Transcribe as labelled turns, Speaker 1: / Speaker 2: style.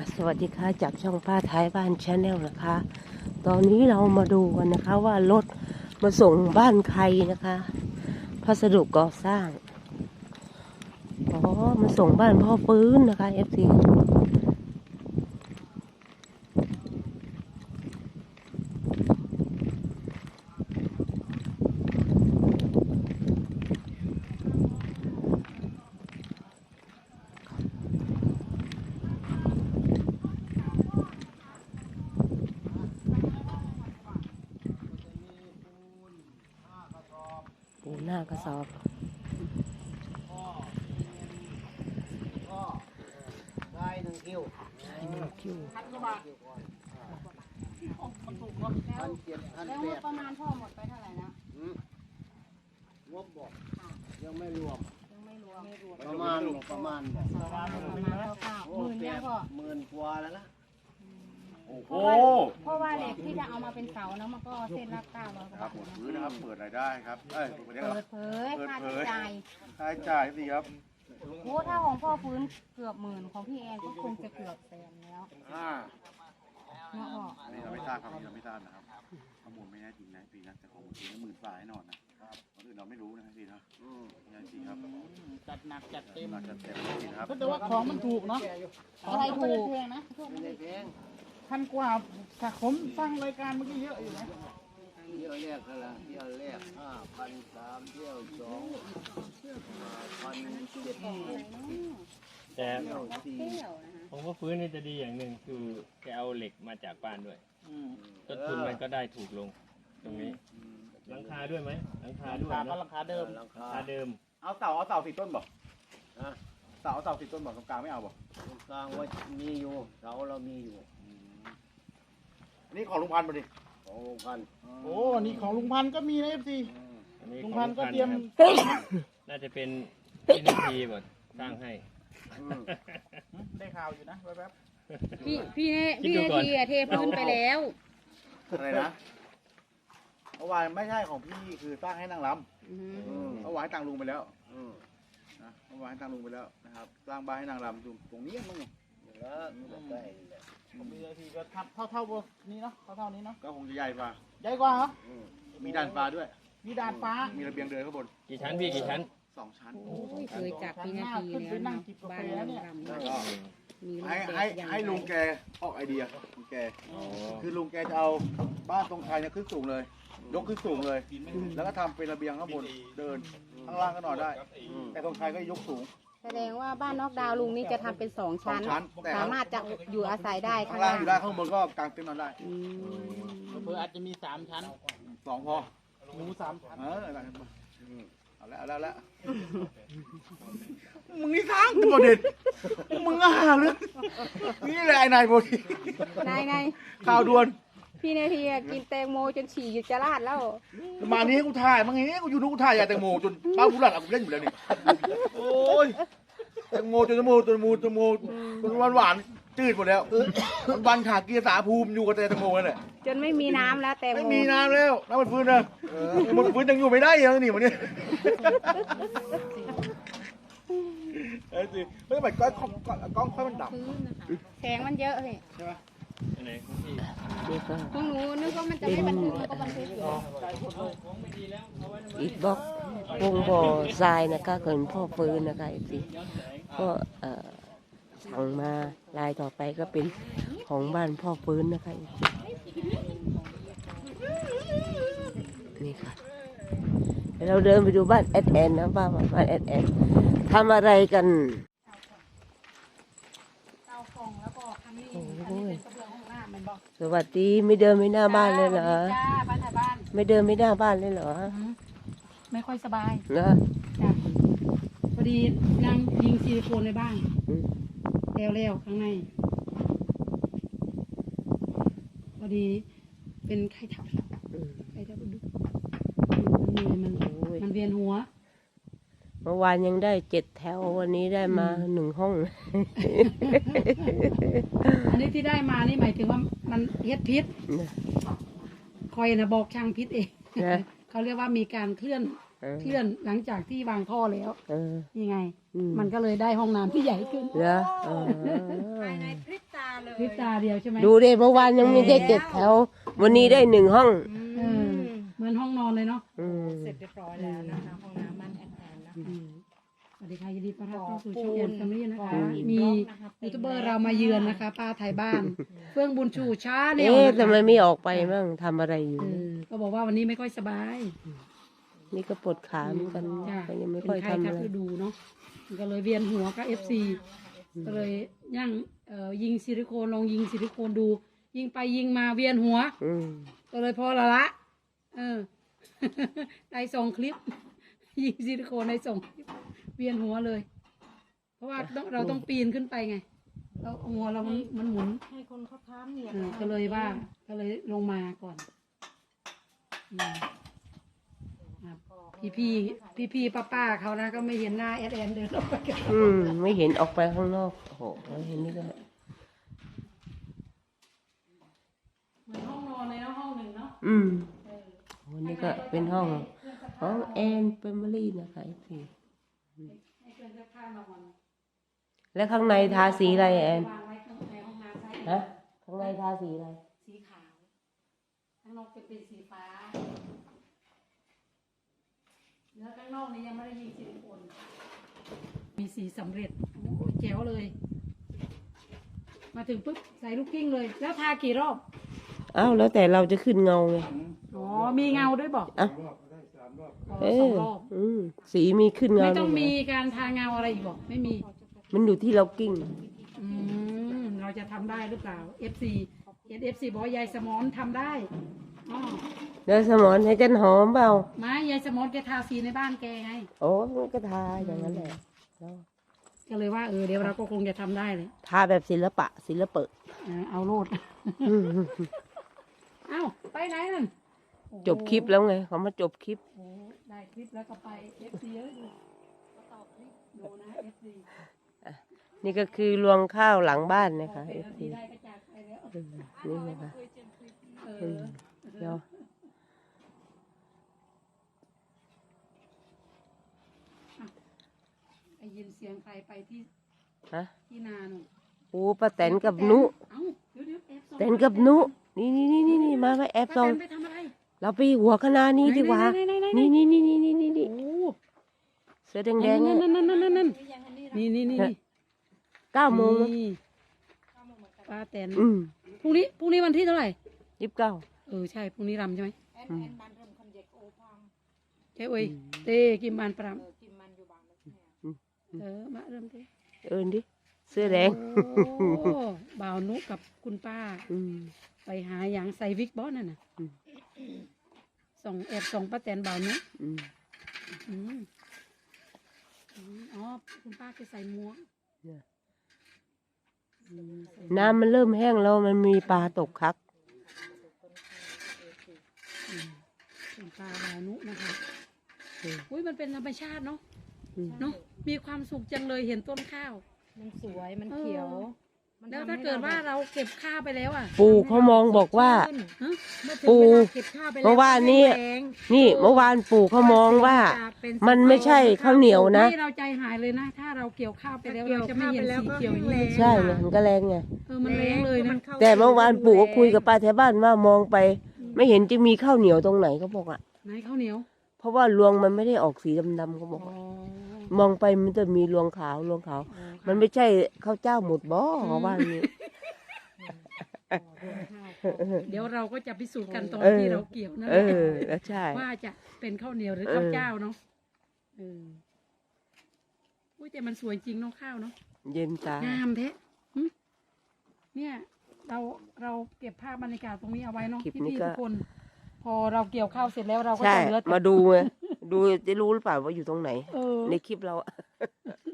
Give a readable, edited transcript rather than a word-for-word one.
Speaker 1: สวัสดีค่ะจากช่องป้าท้ายบ้านชาแนลนะคะ ตอนนี้เรามาดูกันนะคะว่ารถมาส่งบ้านใครนะคะพัสดุก่อสร้างมาส่งบ้านพ่อฟื้นนะคะ FC ปูหน้ากระสอบ
Speaker 2: ได้1 คิว
Speaker 1: ใช่1 คิว
Speaker 3: แล้วงบประมาณพ่อหมดไปเท่าไหร่นะ
Speaker 2: งบบอกยังไม่รวม
Speaker 3: ยังไม่รวม
Speaker 2: ประมาณ
Speaker 3: ประมาณคร่าวๆ10,000เนี่ยพ่อ
Speaker 2: 10,000 กว่าแล้วนะ
Speaker 4: โอ้โห
Speaker 3: เพราะว่าเหล็กที่จะเอามาเป็นเสานะมันก็เส้นละ900
Speaker 4: ครับหมดพื้นนะครับเปิดรายได้ครับเอ้ยเปิด
Speaker 3: เปิดเผยค่าใช้จ่าย
Speaker 4: ค่าใช้จ่ายสิครับ
Speaker 3: โอ้ถ้าของพ่อฟื้นเกือบ10,000ของพี่แอนก็คงจะเกือบแสนแล้วเนาะพ่อ
Speaker 4: อันนี้เราไม่ทราบครับเราไม่ทราบนะครับข้อมูลไม่แน่จริงนะปีนะแต่ของจริง10,000 บาทแน่นอนนะครับคนอื่นเราไม่รู้นะพี่นะไม่แน่จริงครับ
Speaker 2: จัดหนักจัดเต็ม
Speaker 4: จัดเต็มจริงครับ
Speaker 5: แต่ว่าของมันถูกเนาะ
Speaker 3: อะไรถูก
Speaker 5: แพงนะ
Speaker 2: ไม่ได้แพง
Speaker 5: 1,000 กว่าถ้าผมฟังรายการเมื่อกี้เยอะอยู่นะ
Speaker 2: เที่ยวแรกเท่าไหร่เที่ยวแรก5,300เที่ยว2 5,700
Speaker 6: แต่
Speaker 2: เที่ยว4
Speaker 6: ผมว่าฟื้นนี่จะดีอย่างหนึ่งคือแกเอาเหล็กมาจากบ้านด้วยต้นทุนมันก็ได้ถูกลงตรงนี้หลังคาด้วยไหมหลังคาด้วย
Speaker 5: ก็
Speaker 6: เนาะ
Speaker 5: ราคาเดิม
Speaker 2: ราคา
Speaker 6: ราคาเดิม
Speaker 4: เอาเสา4 ต้นบอกเสา4 ต้นบอกตรงกลางไม่เอาบอก
Speaker 2: ตรงกลางว่ามีอยู่เสาเรามีอยู่
Speaker 4: อันนี้ของลุงพันธุ์มาดิ
Speaker 2: ของโรงกัน
Speaker 5: โอ้นี่ของลุงพันธุ์ก็มีนะ FC
Speaker 6: อันนี้
Speaker 5: ลุง
Speaker 6: ของ
Speaker 5: พันธุ์ก็เตรียม
Speaker 6: ครับน่าจะเป็นพี่นาทีหมดสร้างให้
Speaker 5: ได้ข่าวอยู่นะแป๊บ
Speaker 3: พี่นาทีเทพื้นไปแล้ว
Speaker 4: อะไรนะเมื่อวานไม่ใช่ของพี่คือสร้างให้นางรำเมื่อวานให้ตังลุงไปแล้วนะเมื่อวานให้ตังลุงไปแล้วนะครับสร้างบ้านให้นางรำตรงนี้มั้ง
Speaker 2: แล้วใกล้
Speaker 5: ๆของ VIP ก็ทับเท่านี้เนาะเท่านี้เนาะ
Speaker 4: ก็คงจะใหญ่กว่า
Speaker 5: ใหญ่กว่าเหรอ
Speaker 4: มีด่านฟ้าด้วย
Speaker 5: มีดาดฟ้า
Speaker 4: มีระเบียงเดินข้างบน
Speaker 6: กี่ชั้นพี่กี่ชั้น
Speaker 4: 2 ชั้น
Speaker 3: เคยจับพี่นาทีแล้วนะบ้านเรารำ
Speaker 4: แล้วก็
Speaker 3: มีรถ
Speaker 4: ให้
Speaker 3: เด็
Speaker 4: ให้
Speaker 3: กยัง
Speaker 4: ให้ลุงแกออกไอเดียลุงแก คือลุงแกจะเอาบ้านตรงไทยเนี่ยขึ้นสูงเลย ยกขึ้นสูงเลย แล้วก็ทำเป็นระเบียงข้างบนเดินข้างล่างก็นอนได้ แต่ตรงไทยก็ยกสูง
Speaker 3: แสดงว่าบ้านนอกดาวลุงนี่จะทำเป็น2 ชั้น
Speaker 4: 2 ชั้นแต่
Speaker 3: สามารถจะอยู่อาศัยได้
Speaker 4: ข้างล่างอยู่ได้ข้างบนก็กางเต็นท์นอนได้
Speaker 5: เพื่ออาจจะมี3 ชั้น
Speaker 4: 2 พอ
Speaker 5: หมู3 ชั้น
Speaker 4: เอาแล้วมึงนี่ทั้งประเด็นมึงอ่ะเลยนี่แหละไอ้นายโบดี
Speaker 3: นาย
Speaker 4: ข่าวด่วน
Speaker 3: พี่นาทีกินแตงโมจนฉี่จะราดแล้ว
Speaker 4: มานี้กูถ่ายมางี้กูอยู่นู้นกูถ่ายยาแตงโมจนบ้าผู้หลักกูเล่นอยู่แล้วนี่โอ้ยแตงโมจนจนหวานจืดหมดแล้ววันขาเกียร์สาภูมิอยู่กับแตงโมนั่นแหละ
Speaker 3: จนไม่มีน้ำแล้วแตงโม
Speaker 4: ไม่มีน้ำแล้วน้ำมันฟื้นนะมันฟื้นยังอยู่ไม่ได้ยังนี่มันนี่สิเฮ้ยทำไมกล้องค่อยมันดับ
Speaker 3: แสงมันเยอะเลย
Speaker 4: ใช่ไหม
Speaker 6: อันไหนของพี่
Speaker 1: นี่ก็
Speaker 3: พวกหนูนึกว่ามันจะไม่บันทึกมันก็บันทึกอยู่
Speaker 1: อิฐบล็อกวงบ่อทรายนะคะเกินพ่อฟื้นนะคะ FC ก็สั่งมาลายต่อไปก็เป็นของบ้านพ่อฟื้นนะคะ FC นี่ค่ะเดี๋ยวเราเดินไปดูบ้านแอดแอนนะบ้านแอดแอนทำอะไรกัน
Speaker 3: เตาฟองแล้วก็คันนี้เป็นกระเบื้องห้องน้ำมันบอก
Speaker 1: สวัสดีไม่เดินไม่หน้าบ้านเลยเหรอ
Speaker 3: จ้าบ้านถ่ายบ้าน
Speaker 1: ไม่เดินไม่หน้าบ้านเลยเหรอ
Speaker 3: ไม่ค่อยสบาย
Speaker 1: นะ
Speaker 3: จ้ะพอดีนางยิงซิลิโคนในบ้านแล้วข้างในพอดีเป็นไข้ทับดุมันเวียนหัว
Speaker 1: เมื่อวานยังได้7 แถววันนี้ได้มา1 ห้อง
Speaker 7: อันนี้ที่ได้มานี่หมายถึงว่ามันเฮ็ดพิษคอยนะบอกช่างพิษเอง
Speaker 1: นะ
Speaker 7: เขาเรียกว่ามีการเคลื่อนหลังจากที่วางท่อแล้วนี่ไง มันก็เลยได้ห้องน้ำที่ใหญ่ขึ้น
Speaker 1: เหรอ
Speaker 3: ภายในพริบตา
Speaker 7: พริบตาเดียวใช่ไหม
Speaker 1: ดูดิเมื่อวานยังไม่ได้7 แถว วันนี้ได้1 ห้อง
Speaker 7: เออเหมือนห้องนอนเลยเนาะ
Speaker 1: อืม
Speaker 3: เสร็จเรียบร้อยแล้วนะคะห้องน้ำบ้านแอนนะ
Speaker 7: สวัสดีค่ะยินดีต้อนรับเข้าสู่ช่องแอนแฟมิลี่นะคะ มียูทูบเบอร์เรามาเยือนนะคะ ป้าไทยบ้าน เฟื่องบุญชูช้าแนว
Speaker 1: เอ๊ะ
Speaker 7: นะคะ
Speaker 1: ทำไมไม่ออกไปบ้างทำอะไรอยู่
Speaker 7: ก็บอกว่าวันนี้ไม่ค่อยสบาย
Speaker 1: นี่ก็ปวดขาเหมือนกัน
Speaker 7: จ้ะ
Speaker 1: ก็ยังไม่
Speaker 7: เป็น
Speaker 1: ค่อย
Speaker 7: ไข้
Speaker 1: ทำ
Speaker 7: ทั
Speaker 1: อะ
Speaker 7: บ
Speaker 1: ไร
Speaker 7: ฤดูเนาะก็เลยเวียนหัวกับFC ก็เลยย่างยิงซิลิโคนลองยิงซิลิโคนดู ยิงไปยิงมาเวียนหัว
Speaker 1: อืม
Speaker 7: ก็เลยพอละ เออ ได้ส่งคลิป ยิงซิลิโคนได้ส่งคลิป เวียนหัวเลย เพราะว่าเราต้องปีนขึ้นไปไงแล้วหัวเรามันหมุน
Speaker 3: ให้คนเขาทำเนี่ย
Speaker 7: ก็เลยว่า ก็เลยลงมาก่อนอืมครับพี่ป้าเขานะก็ไม่เห็นหน้าแอดเดินออกไปกัน
Speaker 1: อืมไม่เห็นออกไปข้างนอกโอ้โหเห็นนี่ก็
Speaker 7: เหมือนห้องนอนเลยเนาะห้องหนึ่งเนาะ
Speaker 1: อืมวันนี้ก็เป็นห้องของแอนเฟมิลี่นะคะพี่
Speaker 7: ให้เกินเสื้อผ้านอน
Speaker 1: แล้วข้างในทาสีอะไรแอน
Speaker 7: วางไว้ในห้องน้ำใช่
Speaker 1: ฮะข้างในทาสีอะไร
Speaker 7: สีขาวข้างนอกจะเป็นสีฟ้าแล้วข้างนอกนี้ยังไม่ได้ยิงซิลิโคนมีสีสำเร็จโอ้แจ๋วเลย มาถึงปุ๊บใส่ลูกกิ้งเลย แล้วทากี่รอบ
Speaker 1: อ้าวแล้วแต่เราจะขึ้นเงาไง
Speaker 7: อ๋อ มีเงาด้วยบอก
Speaker 1: อ่ะ
Speaker 7: อ๋อ
Speaker 1: เอ
Speaker 7: สอง
Speaker 1: อ
Speaker 7: รอบ
Speaker 1: อืมสีมีขึ้นเงา
Speaker 7: ไม่ต้อง
Speaker 1: ด้วย
Speaker 7: มี
Speaker 1: เหร
Speaker 7: การทาเงาอะไรอีกบอกไม่มี
Speaker 1: มันอยู่ที่เรากิ้ง
Speaker 7: เราจะทำได้หรือเปล่า FC บอกว่ายายสมอนทำได้อ๋อ
Speaker 1: เดี๋ยวสมอนให้จันหอมเปล่า
Speaker 7: มายายสมอนแกทาสีในบ้านแกไง
Speaker 1: โอ้มันก็ทาอย่างนั้นแหละแล้ว
Speaker 7: ก็เลยว่าเดี๋ยวเราก็คงจะทำได้เลย
Speaker 1: ทาแบบศิลปะ
Speaker 7: เอาโลด
Speaker 1: อืม
Speaker 7: เอ้าไปไหนนั่น
Speaker 1: จบคลิปแล้วไงเขามาจบคลิป
Speaker 7: โอ้ได้คลิปแล้วก็ไป FC เยอะดูตอบคลิปดูนะ FC
Speaker 1: นี่ก็คือรวงข้าวหลังบ้านนะคะ
Speaker 7: เป็น
Speaker 1: FC
Speaker 7: ที่ได้ก็จากไปแล้ว
Speaker 1: นี่นะคะ
Speaker 7: เออ
Speaker 1: เดี๋ยว
Speaker 7: ได้ยินเสียงใครไปที่
Speaker 1: ฮะ
Speaker 7: ที่นาหนู
Speaker 1: โอ้ป้าแตนกับนุ
Speaker 7: เอ้าเดี๋ยวแอบส่อง
Speaker 1: แตนกับนุนี่มาแอบ
Speaker 7: ป้า
Speaker 1: ส่อง
Speaker 7: แตนไปทำอะไร
Speaker 1: เราไปหัวคณะนี้ดีกว่า
Speaker 7: ไหน
Speaker 1: นี่
Speaker 7: โอ้
Speaker 1: เสื้อแดงๆ
Speaker 7: นั่
Speaker 1: อะ
Speaker 7: นนี่
Speaker 1: 9 โมง
Speaker 7: นี่ป้าแตน
Speaker 1: อืม
Speaker 7: พรุ่งนี้วันที่เท่าไหร่
Speaker 1: 29
Speaker 7: ใช่พรุ่งนี้รำใช่ไหม
Speaker 1: อืม
Speaker 7: ใช่เอ้ยเต้กิมบานปรามมาเริ่มเต้
Speaker 1: เอินดิเสื้อแดง
Speaker 7: โอ้บ่าวนุกับคุณป้า
Speaker 1: อืม
Speaker 7: ไปหาอย่างใส่วิกบอสนั่นน่ะ
Speaker 1: อืม
Speaker 7: แอบส่องป้าแตนบ่าวนุ
Speaker 1: อืม
Speaker 7: อืมอ๋อคุณป้าจะใส่หมวก
Speaker 1: เนี่ย
Speaker 7: อืมใส่
Speaker 1: น้ำมันเริ่มแห้งแล้วมันมีปลาตกคัก
Speaker 7: คุณป้าบ่าวนุนะคะ
Speaker 1: อืม
Speaker 7: อุ้ยมันเป็นธรรมชาติเนาะ
Speaker 1: อืม
Speaker 7: เนาะมีความสุขจังเลยเห็นต้นข้าว
Speaker 3: มันสวยมันเขียว
Speaker 7: แล้วถ้าเกิดว่าเราเก็บข้าวไปแล้วอ่ะ
Speaker 1: ปู่เขามองบอกว่า
Speaker 7: ฮะ
Speaker 1: ปู่
Speaker 3: เก็บข้าวไป
Speaker 1: เมื่อวานนี้ นี่เมื่อวานปู่เขามองว่า มันไม่ใช่ข้าวเหนียวนะ
Speaker 7: นี่เราใจหายเลยนะ ถ้าเราเกี่ยวข้าวไปแล้วเราจะไม่เห็นสีเขียวอย่างนี้
Speaker 1: ใช่ไงมันก็แรงไง
Speaker 7: มันแรงเลยนะ
Speaker 1: แต่เมื่อวานปู่ก็คุยกับป้าแถวบ้านว่ามองไป ไม่เห็นจะมีข้าวเหนียวตรงไหนเขาบอกอ่ะ
Speaker 7: ไหนข้าวเหนียว
Speaker 1: เพราะว่ารวงมันไม่ได้ออกสีดำๆเขาบอก
Speaker 7: อ๋อ
Speaker 1: มองไปมันจะมีรวงขาว มันไม่ใช่ข้าวเจ้าหมดบ่เขาว่าอย่างนี้
Speaker 7: เดี๋ยวเราก็จะพิสูจน์กันตอน
Speaker 1: เออ
Speaker 7: ที่เราเกี่ยวนั่น
Speaker 1: เอ
Speaker 7: แหละ
Speaker 1: อแล้วใช่
Speaker 7: ว่าจะเป็นข้าวเหนียวหรือข้าวเจ้าเนาะอุ้ยแต่มันสวยจริงเนาะข้าวเนาะ
Speaker 1: เย็นตาง
Speaker 7: ามแท้หึเนี่ยเราเก็บภาพบรรยากาศตรงนี้เอาไว้เนาะพี่ๆทุกคน พอเราเกี่ยวข้าวเสร็จแล้วเราก็
Speaker 1: ใช่
Speaker 7: จะเหลือแต่
Speaker 1: มาดูไงดูจะรู้หรือเปล่าว่าอยู่ตรงไหน
Speaker 7: เออ
Speaker 1: ในคลิปเราอะ